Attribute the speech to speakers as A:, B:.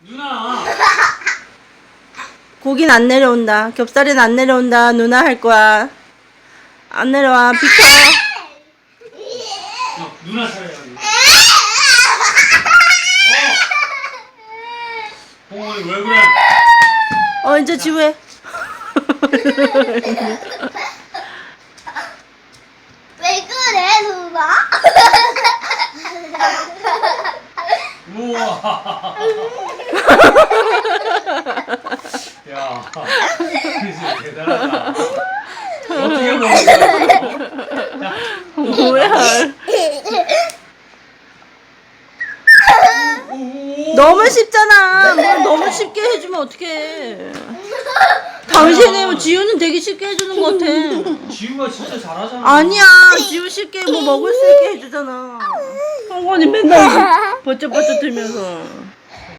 A: 누나.
B: 고긴 안 내려온다. 겹살은 안 내려온다. 누나 할 거야. 안 내려와. 비켜.
A: 누나 차례야. 봉원이 왜 그래?
B: 이제 지우해.
C: 왜 그래 누나?
A: 우와. 야, 진짜 대단하다. 어떻게 먹었어?
B: 뭐야.
A: 오.
B: 너무 쉽잖아. 뭘 너무 쉽게 해주면 어떡해. 당신이 뭐 지우는 되게 쉽게 해주는 것 같아.
A: 지우가 진짜 잘하잖아.
B: 아니야. 지우 쉽게 뭐 먹을 수 있게 해주잖아. 성건이 맨날 버쩍버쩍 들면서.